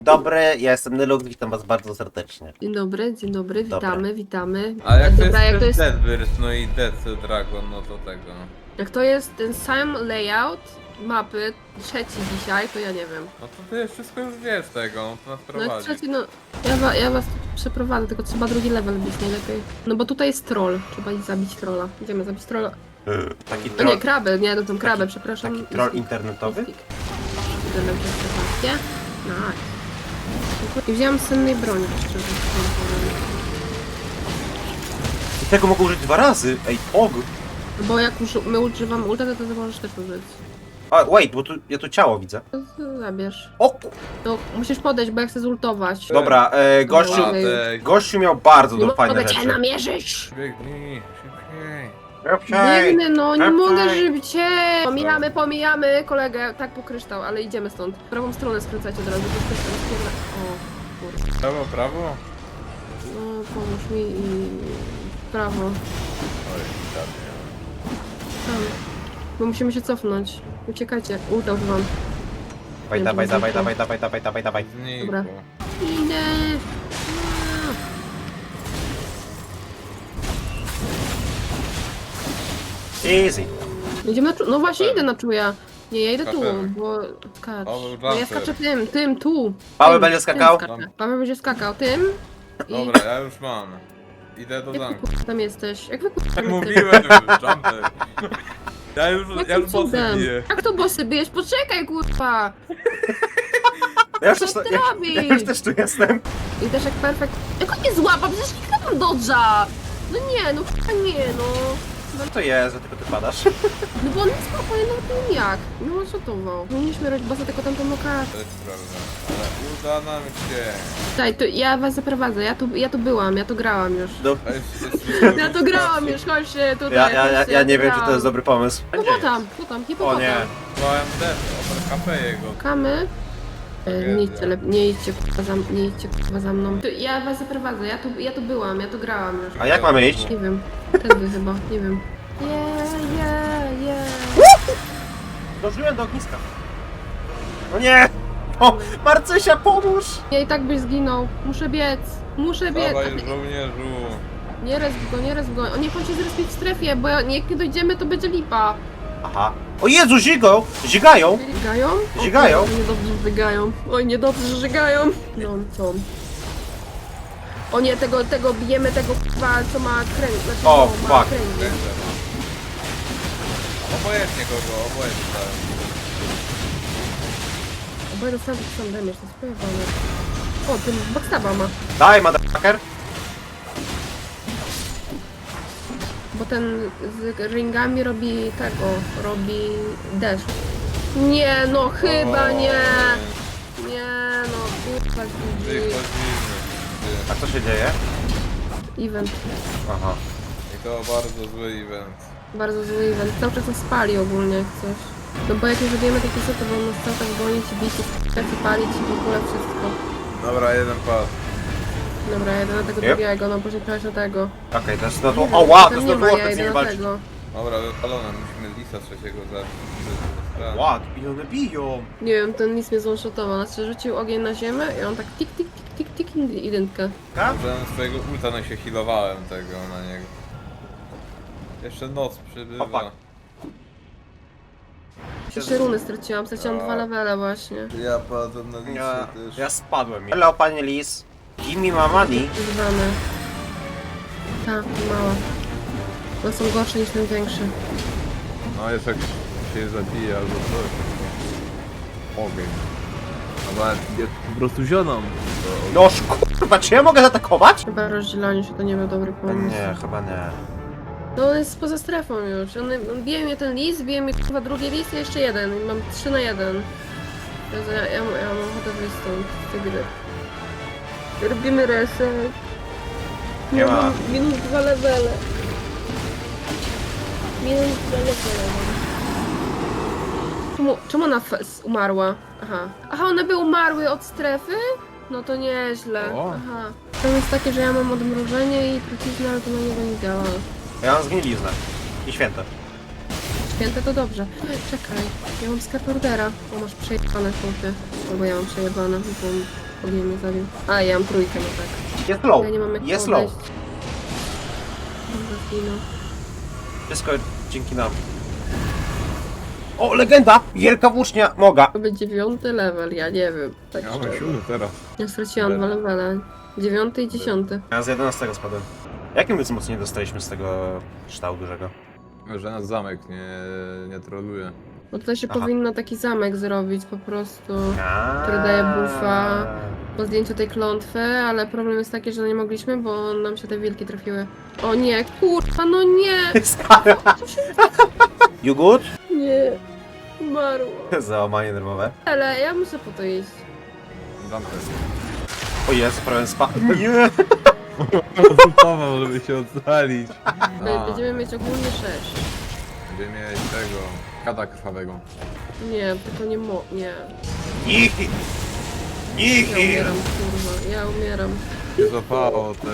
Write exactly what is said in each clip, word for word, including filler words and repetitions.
Dobry, ja jestem Nyluk, witam was bardzo serdecznie. Dzień dobry, dzień dobry, Dobry. witamy, witamy. A jak to Dobra, jest jak to jest, Deadbird, no i Dead Dragon, no to tego. jak to jest ten sam layout mapy, trzeci dzisiaj, to ja nie wiem. No to ty wszystko już wiesz tego, to nas No jak prowadzi. trzeci, no ja, wa, ja was przeprowadzę, tylko trzeba drugi level być najlepiej. No bo tutaj jest troll, trzeba iść zabić trolla. Idziemy zabić trolla. Taki O nie, troll, kraby, nie, no tą krabę, taki- przepraszam. taki troll internetowy? Idę na przeprowadzkę. Nice. I wziąłem sennej broni, szczerze powiem. I tego mogę użyć dwa razy, ej, og! Bo jak już my używamy ulta, to ty możesz też użyć. A, wait, bo tu, ja tu ciało widzę. To to zabierz. O, ku- No, musisz podejść, bo ja chcę zultować. dobra, e, gościu, Okej. Ej, gościu miał bardzo Nie do fajne mogę cię rzeczy. namierzyć! biegnij, szybciej. Biegnę, no, nie Okej. mogę szybciej! Pomijamy, pomijamy kolegę, tak po kryształ, ale idziemy stąd. W prawą stronę skręcać od razu, bo kryształ jest pierna... O, kurde. Prawo, prawo? No, pomóż mi i... w prawo. Oj, tak. Tam. Bo musimy się cofnąć. Uciekajcie, ulta używam. Dawaj, dawaj, dawaj, dawaj, dawaj, dawaj, dawaj, dawaj. Znikło. Dobra. Idę! Easy. Idziemy na czu... No właśnie, idę na czuja. Nie, ja idę tu, Skaczemy. bo... Skacz. O, był No ja jumper. skaczę tym, tym, tu. Paweł Tym, będzie tym skakał? skaczę. Paweł będzie skakał tym. I... Dobra, ja już mam. Idę do Jak wy zamku. kurwa tam jesteś? Jak wy kurwa Jak tam jesteś? mówiłem, jumper. Ja już, ja Jakim już bossy cudem? biję. Jak to bossy bijesz? Poczekaj kurwa! Ja już, Co też, ty ja, robisz? ja już też tu jestem. I też jak perfekt... Jak on mnie złapa? Przecież nikt nie mam dodża! No nie, no kurwa nie, no. No to jest, że tylko ty padasz. No bo on nie spokojnie, no to jak? Nie on szotował. Powinniśmy robić bossa tylko tamtą lokację. To jest prawda. Ale uda nam się. Daj, to ja was zaprowadzę, ja tu, ja tu byłam, ja tu grałam już. No, A jest, jest Ja tu grałam już, chodźcie tutaj. ja, ja, ja, chodźcie, ja nie tu wiem, czy to grałam. jest dobry pomysł. No bo tam, bo tam, O hipopotam. nie. Byłem dead, opera kafe jego. Kamy. E, Tragedia. Nie idźcie, lep- nie idźcie, kurwa, za, nie idźcie kurwa za mną. Tu, ja was zaprowadzę, ja tu, ja tu byłam, ja tu grałam już. A jak mamy iść? Nie wiem, tędy chyba, nie wiem. Yeah, yeah, yeah. Zdążyłem do ogniska. No nie! O, Marcysia, pomóż! Ja i tak byś zginął. Muszę biec, muszę biec. Dawaj A ty- żołnierzu. Nie resp go, nie resp go. O nie, chodź się zrespić w strefie, bo ja- jak nie dojdziemy, to będzie lipa. Aha. O Jezu, zigą! Zigają! Żygają? O, Żygają? kurde, Niedobrze, że żygają. Oj, niedobrze, że żygają. No, co? O nie, tego, tego bijemy, tego k***a, co ma kręg. Znaczy, O, no, ma fuck. kręgi. Obojętnie kogo, obojętnie dałem. Oboje dostaną taki sam damage, to jest pojebane. O, ten backstaba ma. Daj, motherfucker! Bo ten z ringami robi tego, robi deszcz. Nie, no chyba O, nie. Nie, no kurwa, G G. Wychodzimy. A co się dzieje? Event. Aha. I to bardzo zły event. Bardzo zły event. Cały czas nas spali ogólnie jak coś. No bo jak nie zrobimy takie rzeczy, to on nas cały czas gonić i bić i palić i w ogóle wszystko. Dobra, jeden pas. Dobra, jedę na tego Yep. drugiego, no później prawie na tego. Okej, to jest no to. Nie O wiem, wow, to tam jest nie to ma, było ja specjalnie jedę na walczyć. tego. Dobra, wypalone, musimy lisa trzeciego zabić. Ład, i one biją. Nie wiem, ten lis mnie zonshotował, znaczy rzucił ogień na ziemię i on tak tik tik tik tik tik identkę. Tak? Użyłem swojego ulta, no się healowałem tego na niego. Jeszcze noc przybywa. Opak. Jeszcze runy straciłam, straciłam A. dwa levele właśnie. Ja padłem na lisie Ja, też. ja spadłem. Hello, panie Lis. Give me my money. Używane. Tak, mała. One są gorsze niż ten większy. No jest jak się zabije albo coś. Ogień. A nawet jest po prostu zioną. No kurwa, czy ja mogę zaatakować? Chyba rozdzielanie się to nie był dobry pomysł. Nie, chyba nie. No on jest poza strefą już. On, on bije mnie ten lis, bije mnie chyba drugi lis i jeszcze jeden. I mam trzy na jeden. Jezu, ja, ja, ja mam ochotę wyjść stąd z tej gry. Robimy reset. Nie ma. Mam minus dwa levele. Minus dwa levele mam. Czemu, czemu ona f- umarła? Aha. Aha, one były umarły od strefy? No to nieźle. O. Aha. To jest takie, że ja mam odmrożenie i truciznę, ale to na niego nie działa. Ja mam zgniliznę. I święte. Święte to dobrze. Czekaj, ja mam skarp ordera. O, masz przejebane punkty. Albo ja mam przejebane, bo Ognie mnie zabił. A, ja mam trójkę, no tak. Jest low, Ja nie mam jak jest podejść. low. Dobra, zginął. Wszystko dzięki nam. O, legenda! Wielka włócznia, moga. To będzie dziewiąty level, ja nie wiem. Tak Ja mam szczerze. siódmy teraz. Ja straciłam dwa levele. Dziewiąty i dziesiąty. Ja z jedenastego spadłem. Jakim my wzmocnienie dostaliśmy z tego ształu dużego? Że nas zamek nie, nie troluje. Bo tutaj się Aha. powinno taki zamek zrobić po prostu. Aaaa. Który daje buffa. Po zdjęciu tej klątwy, ale problem jest taki, że nie mogliśmy, bo nam się te wilki trafiły. O nie, kurwa, no nie! Stara. You good? Nie. Umarło. Załamanie nerwowe. Ale ja muszę po to iść. Zamknę. O Jezu, prawie spadł. Nie! Konsultował, żeby się ocalić. Be- Będziemy mieć ogólnie sześć. Będziemy mieć tego... Kada krwawego. Nie, tylko nie mo... nie. Niki! Ja Niki! umieram, kurwa, ja umieram. Się złapało te...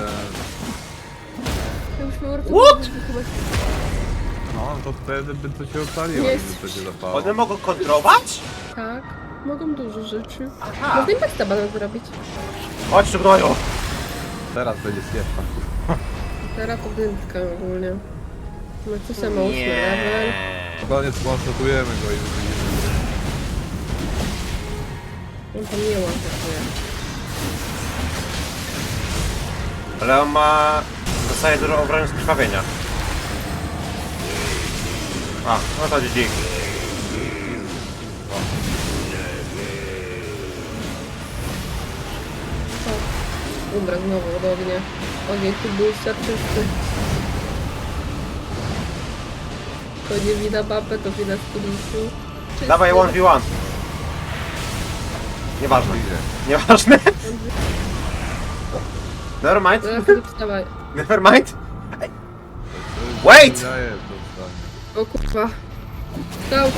Ja już miał What? chyba... No to wtedy by to się ocaliło, Jest. gdyby to się złapało. One mogą kontrolować? Tak, mogą dużo rzeczy. Aha! Można im backstaba nawet zrobić. Chodź tu gnoju! Teraz będzie świetna. Teraz to dętka ogólnie. No co samo ósmy level. Koniec konstatujemy go i wyjdziemy. On tam nie łapie. Ale on ma... Dostaje dużo obrony z krwawienia. A, no to dzięki. Umrę znowu od ognia. Ogień tu był czysty. To nie wina babę, to wina skilisu. Dawaj jeden w jeden. Nieważne. Nieważne. Never mind. No ja wtedy wstawaj. Never mind. Wait! Daję to zdanie. O kurwa. Stał.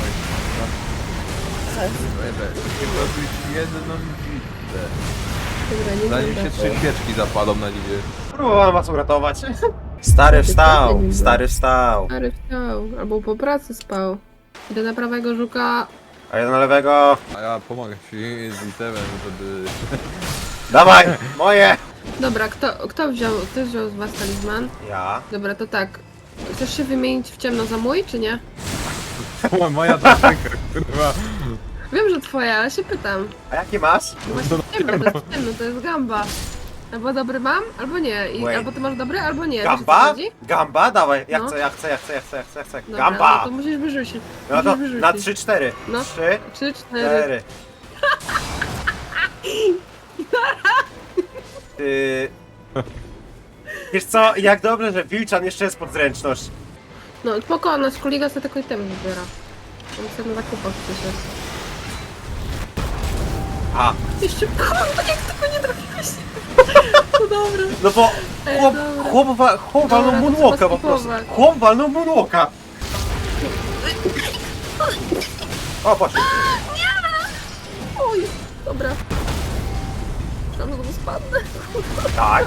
Nie robisz jedną bitwę. Dobra, nie Zanim się będę. trzy świeczki zapalą na niebie. Próbowałem was uratować. Stary wstał, stary wstał. Stary wstał. Albo po pracy spał. Idę na prawego żuka. A jeden na lewego. A ja pomogę ci z itemem, żeby... Dawaj, moje. Dobra, kto, kto wziął, kto wziął z was talizman? Ja. Dobra, to tak. Chcesz się wymienić w ciemno za mój, czy nie? Moja taktyka, kurwa. Wiem, że twoja, ale się pytam. A jaki masz? No właśnie ciemno, to jest ciemno, to jest gamba. Albo dobry mam, albo nie. I, Wait. albo ty masz dobry, albo nie. Wiesz, o co Gamba? chodzi? Gamba? Dawaj, ja No. chcę, ja chcę, ja chcę, ja chcę, ja chcę, ja chcę. Dobra, Gamba! No to musisz wyrzucić. No to musisz wyrzucić. na trzy cztery. No. trzy Trzy, cztery. cztery. Ty... Wiesz co, jak dobrze, że Wilczan jeszcze jest pod zręczność. No spoko, nasz kolega sobie tylko item wybiera. On sobie na zakupach przyszedł. A, Jeszcze, kurwa, jak tylko nie trafiłeś. To dobre. no bo Ej, chłop, dobra. chłop, wa- chłop Dobra, walnął to moonwalka trzeba po prostu. skipować. Chłop walnął moonwalka. O, poszedł. Oj, dobra. Tam znowu spadnę. Tak.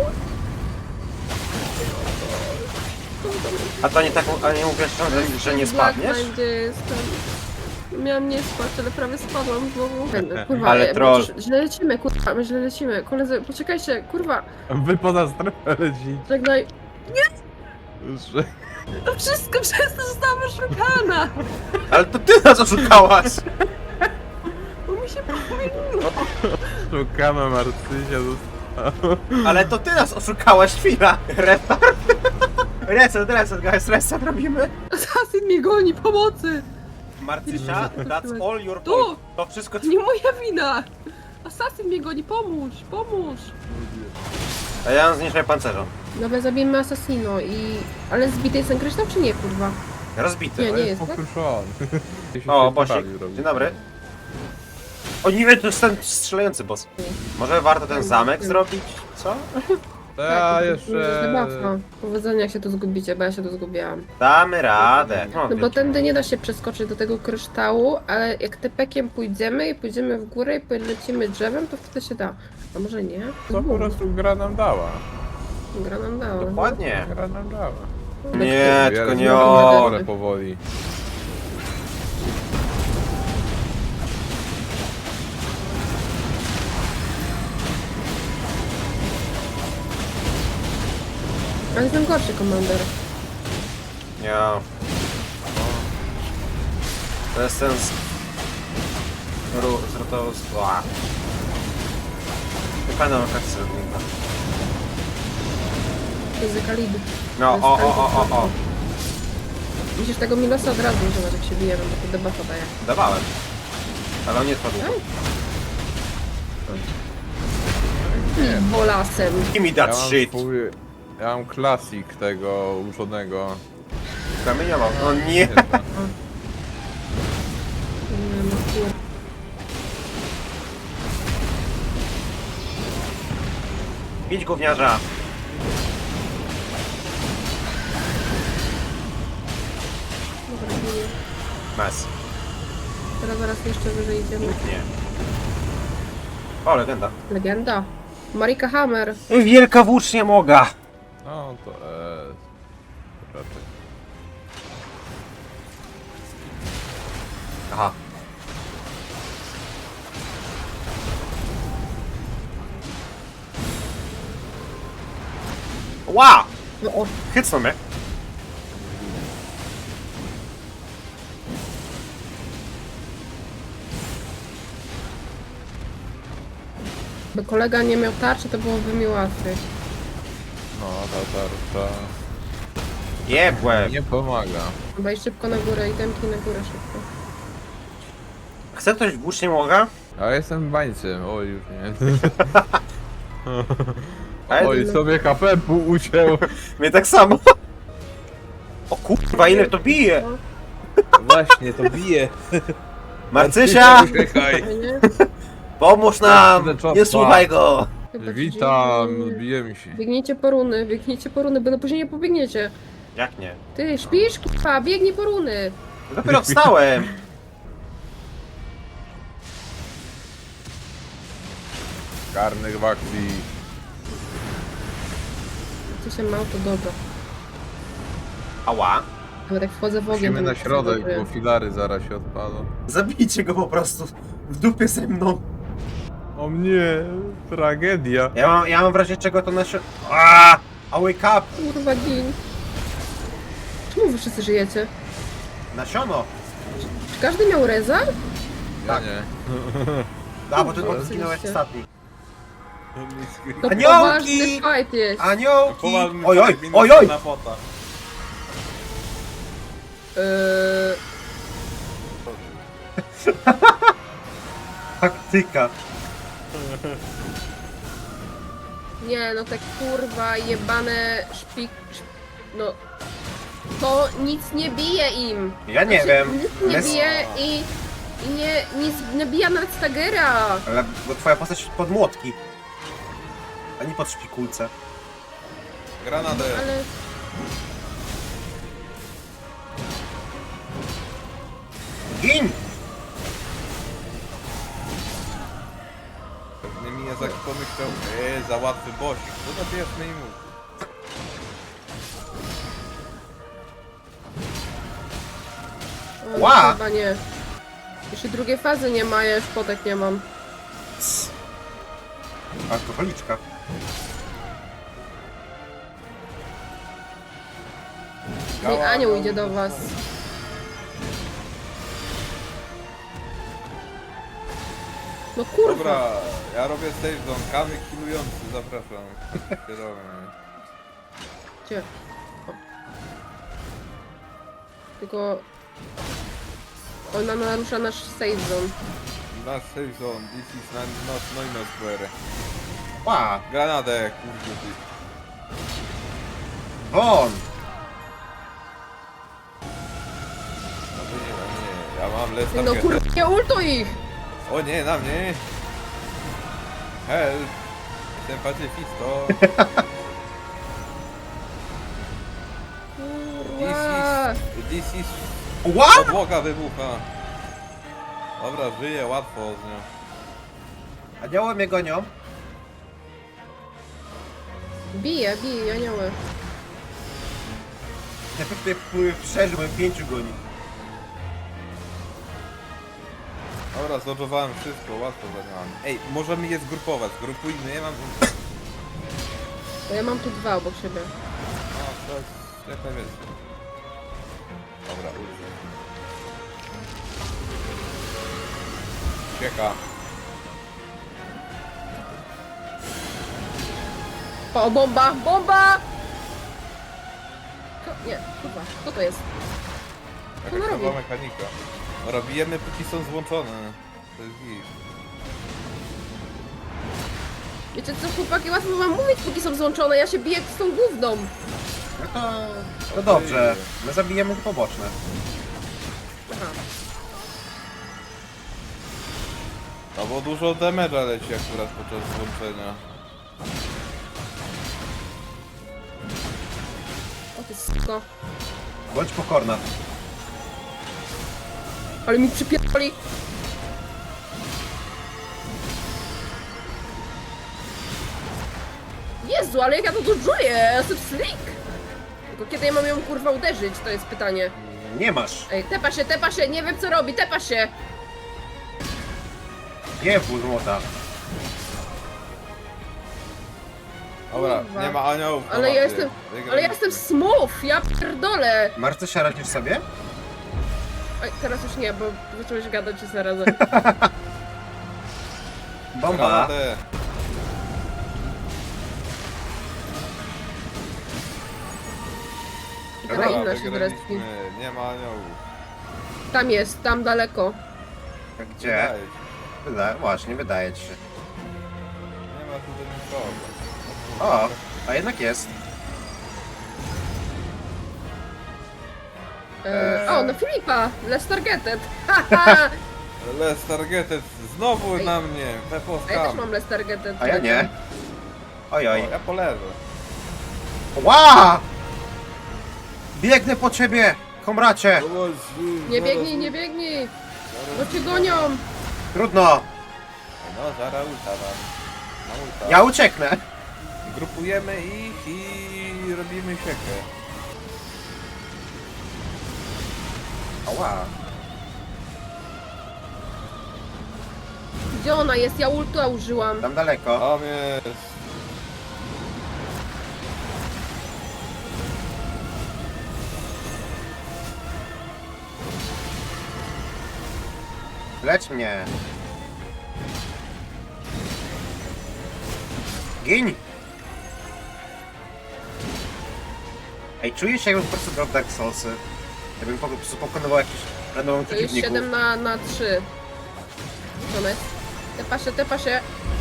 A to nie tak, a nie mówisz, że, że nie spadniesz? Gdzie jestem? Miałam nie spać, ale prawie spadłam znowu. Kurwa, Ale ale troll. Źle lecimy, kurwa, my źle lecimy. Koledzy, poczekajcie, kurwa. Wy poza strefę lecicie. Żegnaj. Że... To wszystko przez to zostałam oszukana. Ale to ty nas oszukałaś. Bo mi się pomyliło. Szukamy Marcysia została. Ale to ty nas oszukałaś, chwila. Restart. Reset, reset, guys, reset robimy. Assassin mnie goni, pomocy. Marcysia, that's all your Tu. fault. To wszystko To nie moja wina. Assassin mnie goni, pomóż, pomóż. A ja mam zniszczenie pancerza. Dobra, zabijmy Assassino i... Ale zbity jest ten kryształ, czy nie, kurwa? Rozbity. Nie, To nie jest jest, tak? pokruszony. O, Bosik. Dzień dobry. O nie, to jest ten strzelający boss. Może warto ten zamek zrobić? Co? To ja to jeszcze... Zabawka. Powodzenia, jak się tu zgubicie, bo ja się tu zgubiłam. Damy radę. No, No bo tędy nie da się przeskoczyć do tego kryształu, ale jak tepekiem pójdziemy i pójdziemy w górę i polecimy drzewem, to wtedy się da. A może nie? To po prostu gra nam dała. Gra nam dała. Dokładnie. Gra nam dała. Nie, tylko nie o- o. Ale powoli. Ale jestem gorszy komander. Nie. To jest ten z... Ru... z... to z... Ła. Nie pamiętam jak się zrobił. To jest Kalib. No, o, o, o, o, o. Musisz tego Milosa od razu używać, jak się bije, bo to debuffa daje. Dawałem. Ale on nie trwa długo. I bolasem. Give me Ja that mam shit. swój... Ja mam klasik tego uczonego. Kamieniował. No nie. Nie, no kur... Bić gówniarza. Dobra, bije. Mes. Teraz zaraz jeszcze wyżej idziemy. Nie. O, legenda. Legenda. Marika Hammer. Wielka włócznia moga. No to eee, raczej. Aha. Ła! No o, Hycnął mnie. by kolega nie miał tarczy, to byłoby mi łatwiej. No ta tarcza Jebłe. nie pomaga. Wejdź szybko na górę i temki na górę szybko. Chce ktoś włócznie moga? A jestem bańcem, oj już nie. Ale- Oj, sobie H P pół ucięło. Mnie tak samo. O kurwa, ile to bije! Właśnie, to bije. Marcysia! Uciekaj. Fajnie? Pomóż nam! Czopka. Nie słuchaj go! Chyba ci Witam, dziękuję. bijemy się. Biegnijcie po runy, biegnijcie po runy, bo no później nie pobiegniecie. Jak nie? Ty, śpisz, kipa, biegnij po runy. Dopiero wstałem! Karnych w akcji. Co się ma, to dobrze. Ała! Nawet jak wchodzę w ogień, Musimy to na mi się środek, dobrze. bo filary zaraz się odpadą. Zabijcie go po prostu! W dupie ze mną! O mnie, tragedia. Ja mam, ja mam w razie czego to na się... Aaaa! A wake up! Kurwa, gin. Czemu wy wszyscy żyjecie? Nasiono! Czy każdy miał reza? Ja nie. A, bo ty Kurwa, zginąłeś oczywiście. ostatni. To Aniołki! poważny fight jest. Aniołki! Poważny Oj, oj, tak, oj, oj! na pota. Eee, Taktyka. nie, no te kurwa jebane szpik... szp... No... To nic nie bije im. Ja nie Znaczy, wiem. Nic nie Mes- bije i... I nie, nic nie bija nawet Stagera. Ale bo twoja postać pod młotki. A nie pod szpikulce. Granadę. Ale... Gin! Pewnie mi Jezak pomyślał, eee, za łatwy bosik. No to bierzmy i mu. O, Ła! Chyba nie. Jeszcze drugiej fazy nie ma, ja już potek nie mam. Cs. Alkoholiczka. Niech anioł idzie do was. No kurwa. Dobra, ja robię save zone, kamyk killujący, zapraszam. Kierowny. Gdzie? O. Tylko... Ona narusza nasz save zone. Nasz save zone, this is not, not Neunosquare. Ła! Granadę, kurde ty. Won! No to nie, no nie, ja mam less No target. kurwa, nie ultuj ich! O nie, na mnie! Help! Jestem pacyfisto. This Kurwa. is... This is... Ła! Podłoga wybucha. Dobra, żyję łatwo z nią. Anioły mnie gonią. Bije, bije, anioły. Najpierw tutaj wpływ przeżyłem, pięciu goni. Dobra, zlodżowałem wszystko, łatwo zaniałam. Ej, możemy je zgrupować, zgrupujmy, ja mam... To ja mam tu dwa obok siebie. To jest jak najwięcej. Dobra, użyj. Cieka. O, bomba! Bomba! Co? Nie, kurwa, co to jest? Co ona Jakaś robi? nowa mechanika. No robijemy póki są złączone. To jest git. Wiecie co, chłopaki, łatwo wam mówić, póki są złączone, ja się biję z tą gówną. No to... To dobrze. My zabijemy poboczne. Aha. No bo dużo damage'a leci akurat podczas złączenia. O ty s**ko. Bądź pokorna. Ale mi przypierdoli. Jezu, ale jak ja to czuję, ja jestem slick. Tylko kiedy ja mam ją kurwa uderzyć, to jest pytanie. Nie masz. Ej, tepa się, tepa się, nie wiem co robi, tepa się. Nie pół złota. Dobra, Kurwa. nie ma aniołów. na Ale ja mapie. jestem, Wygraliśmy. ale ja jestem smooth, ja pierdolę. Marce, się radzisz sobie? Ej, teraz już nie, bo zacząłeś gadać się zarazem. Bomba. Radę. I Dobra, teraz inna się wygraliśmy. zresztą. Nie ma aniołów. Tam jest, tam daleko. Gdzie? Wydaje się. Wydaje, właśnie, wydaje ci się. Nie ma tutaj nikogo. O, a jednak jest. E, o, no Filipa, less targeted. Haha. Less targeted znowu Ej. na mnie. A ja też Peposkam. mam less targeted. A ja nie. Oj, oj. Ja po lewo. Ła! Biegnę po ciebie, komracie! Nie biegnij, nie biegnij, bo cię gonią. Trudno, No, zaraz ulta wam. Na ulta. ja ucieknę. Grupujemy ich i robimy siekę. Ała. Gdzie ona jest? Ja ulta użyłam. Tam daleko. Tam jest. Lecz mnie. Gin! Ej, czuję się jakbym po prostu grał w Dark Soulsy. Jakbym po prostu pokonywał jakichś randomowych To jest przeciwników. siedem na, na trzy. Co ona jest? Tepa się, tepa się.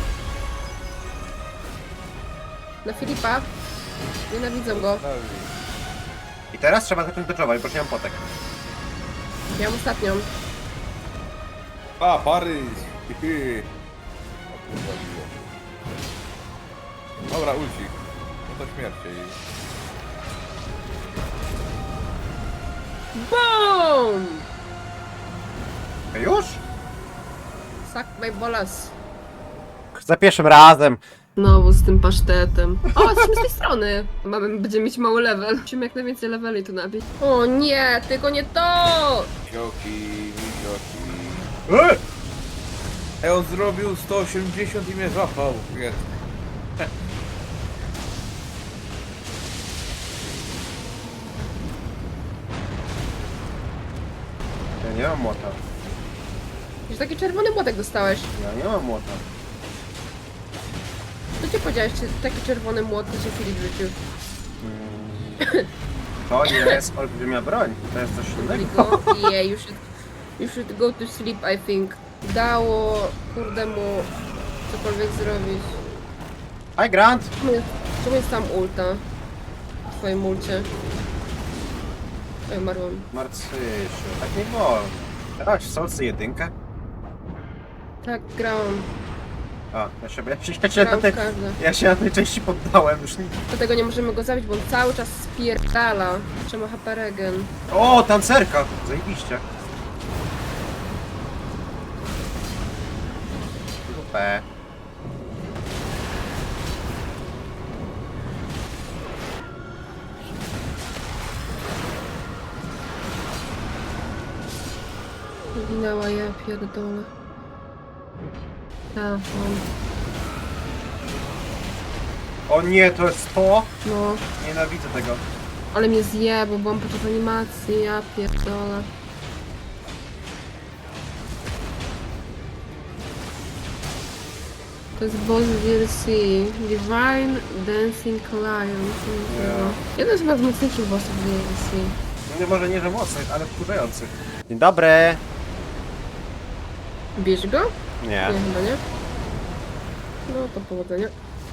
Na Filipa. Nienawidzę go. I teraz trzeba zacząć dodżować, bo już nie mam potek. Miałam ostatnią. A, Paryż! Hihi. O kurwa, biło. Dobra, ulcik. No to śmierci. BOOM! A już? Suck my bolas. Za pierwszym razem. Znowu z tym pasztetem. O, jesteśmy z tej strony. Mamy, będziemy mieć mały level. Musimy jak najwięcej leveli tu nabić. O nie, tylko nie to! Mizioki, mizioki. E! Ej, on zrobił sto osiemdziesiąt i mnie złapał. Jest. Ja nie mam młota. Już taki czerwony młotek dostałeś. Ja nie mam młota. Co ci powiedziałeś, czy taki czerwony młot to się Filip rzucił? To jest olbrzymia broń. To jest coś innego. Go, yeah, you should, you should go to sleep, I think. Dało, kurde mu, cokolwiek zrobić. Hi Grant! Czemu jest, czemu jest tam ulta? W twoim ulcie. Oj, umarłam. Marcysiu, tak nie wolno. Grałeś w Soulsy jedynkę? Tak, grałam. A, ja się, ja się, ja się, na, Grałam tej, w każde. ja się na tej części poddałem już nie... Dlatego nie możemy go zabić, bo on cały czas spierdala. Trzeba H P regen. O, tancerka! Zajebiście. P. Zginęła, ja pierdolę. Tak, on. O nie, to jest to? No, Nienawidzę tego. Ale mnie zje, bo byłam podczas animacji, ja pierdolę. To jest boss D L C. Divine Dancing Lion. Yeah. Jeden z chyba z mocniejszych bossów D L C. No nie, może nie, że mocnych, ale wkurzających. Dzień dobry. Bierz go? Nie. Nie, chyba nie. No to powodzenia.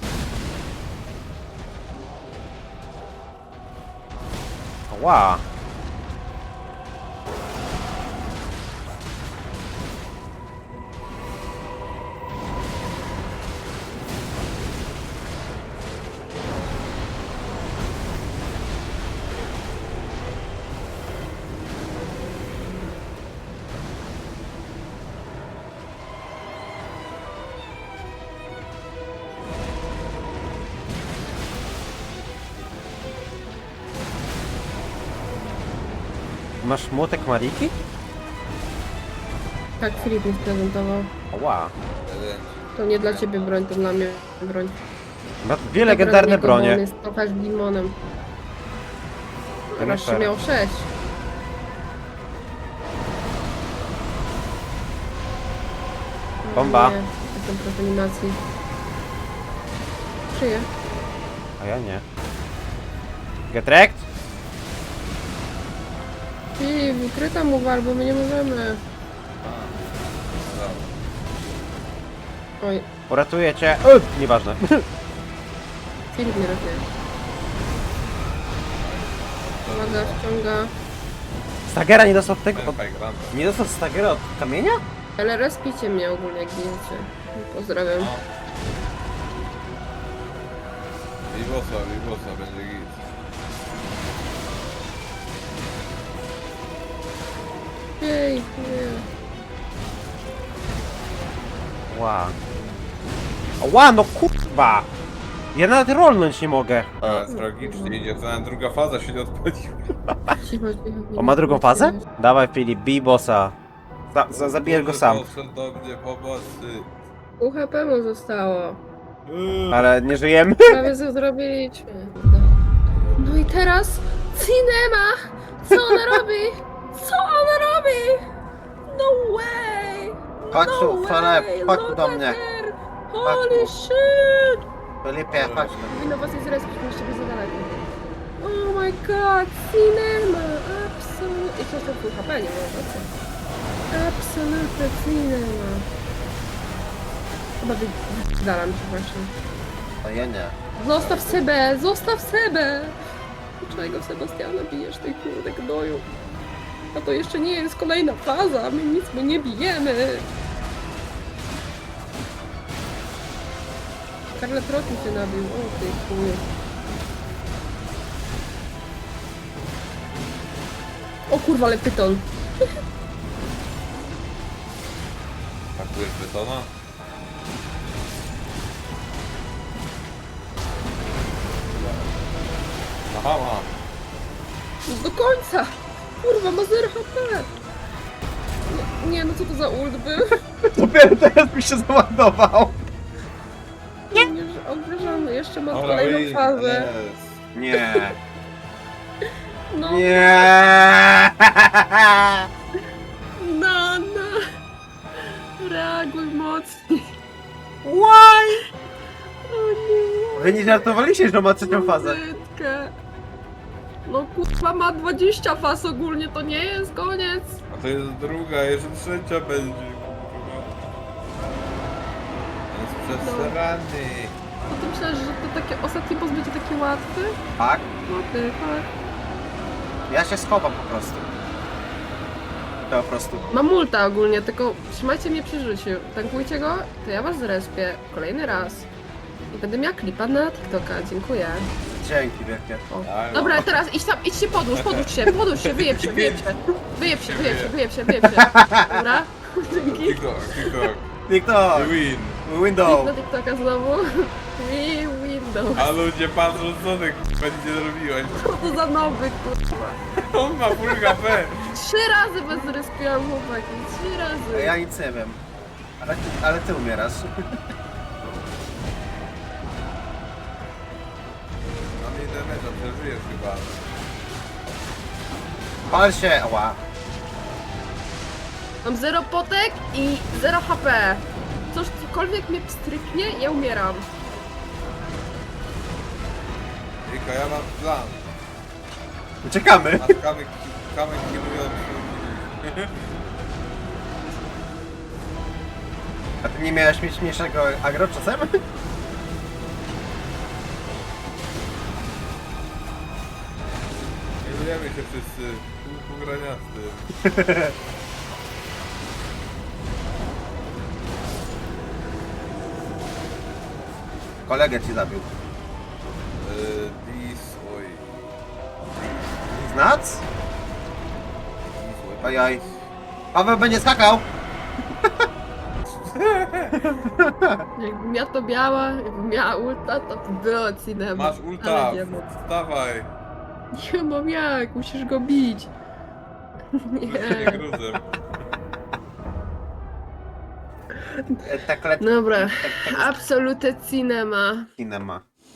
Ła. Masz młotek Mariki? Tak, Filip mi prezentował. Ła. To nie dla ciebie broń, to dla mnie broń. Ma dwie legendarne Dobra, niego, bo on bronie. jest trochę limonem. To nie Raz fair. miał sześć. Bomba. Nie, jestem prof animacji. Czyje? A ja nie. Get wrecked? Filip, ukryta mu wal, bo my nie możemy. Oj, Uratuję cię. Uy, nieważne. Filip nie ratuje. Uwaga, ściąga. Stagera nie dostał tego. Od... Tempaj granda. Nie dostał Stagera od kamienia? Ale respicie mnie ogólnie, jak wiecie. Pozdrawiam. Libosa, Libosa, będzie git. Jej, nie. Ła. Ła, no kurwa! Ja nawet rolnąć nie mogę. A, tragicznie idzie, to nawet druga faza się nie odpaliła. Cicho, cicho. nie On ma drugą mów, fazę? nie mów. Dawaj Filip, bij bossa. Za, za, zabijesz go sam. Podszedł do mnie pomocy. Pół H P mu zostało. Ale nie żyjemy. Prawie co zrobiliśmy. No i teraz Cinema! Co ona robi? Co ona robi? No way! Chodź no tu, Filip, way! chodź tu Look do at mnie. her! Holy tu. shit! Filipie, chodź tu. Powinno was nie zrespić, bo jeszcze za daleko. Oh my god, Cinema! Absolutnie. I co to full H P, nie ma o co? Absolutnie Cinema. Chyba wydalam się właśnie. A ja nie. Zostaw Sebę! Zostaw Sebę! Dlaczego Sebastiana bijesz tej kurde gnoju? A to jeszcze nie jest kolejna faza, my nic my nie bijemy! Scarlet Rock mi się nabił, o ty chuju. O kurwa, ale pyton! Pakujesz betona? Aha, mam. Do końca! Kurwa, ma zero H P! Nie, nie, no co to za ult był? Dopiero teraz mi się załadował. Nie! Obrażony, jeszcze ma Dobra, kolejną wyjdź, fazę. jest. Nie. No, Nie. no, no! Reaguj mocniej! Why? O nie! Wy nie żartowaliście, że ma trzecią fazę. Brzydkę. No kurwa, ma dwadzieścia faz ogólnie, to nie jest koniec! A to jest druga, jeszcze trzecia będzie. kurwa. Jest przesrany. No ty myślałeś, że to takie ostatni boss będzie taki łatwy? Tak? No ty, tak. Ja się schowam po prostu. To po prostu. Mam multa ogólnie, tylko trzymajcie mnie przy życiu. Tankujcie go, to ja was zrespię kolejny raz. I będę miała klipa na TikToka, dziękuję. Dzięki wielkie. O. Tak, Dobra, no. teraz idź tam, idź się podłóż, podłóż się, podłóż się, wyjeb się, wyjeb się. Wyjeb się, wyjeb się, wyjeb się, wyjeb się. Dobra? Dzięki. TikTok, TikTok. TikTok! You win. Window! Na TikToka znowu. We window. A ludzie patrzą, co ty kurwa nie zrobiłeś. Co to za nowy, kurwa. On ma full H P. Trzy razy bez respiłam chłopaki, trzy razy. Ja nic nie wiem. Ale ty, ale ty umierasz. Mam nie damage'a, przeżyjesz chyba. Pal się! Ła. Mam zero potek i zero H P. Coś, cokolwiek mnie pstryknie, ja umieram. Ejka, ja mam plan. Uciekamy! Masz kamyk, kamyk kierujący. A ty nie miałeś mieć mniejszego agro czasem? Kierujemy się wszyscy. Pół pograniasty. Kolegę ci zabił. Eee, Dis, oj. Znac? Dis, oj. Ojoj. Paweł będzie skakał! Jakbym ja to miała, jakbym miała ulta, to by było cinema. Masz ulta, Ale nie mam. wstawaj. Nie mam jak, musisz go bić. Nie Nie. gruzem. E, Tak lecz. Dobra, absolute cinema. Cinema.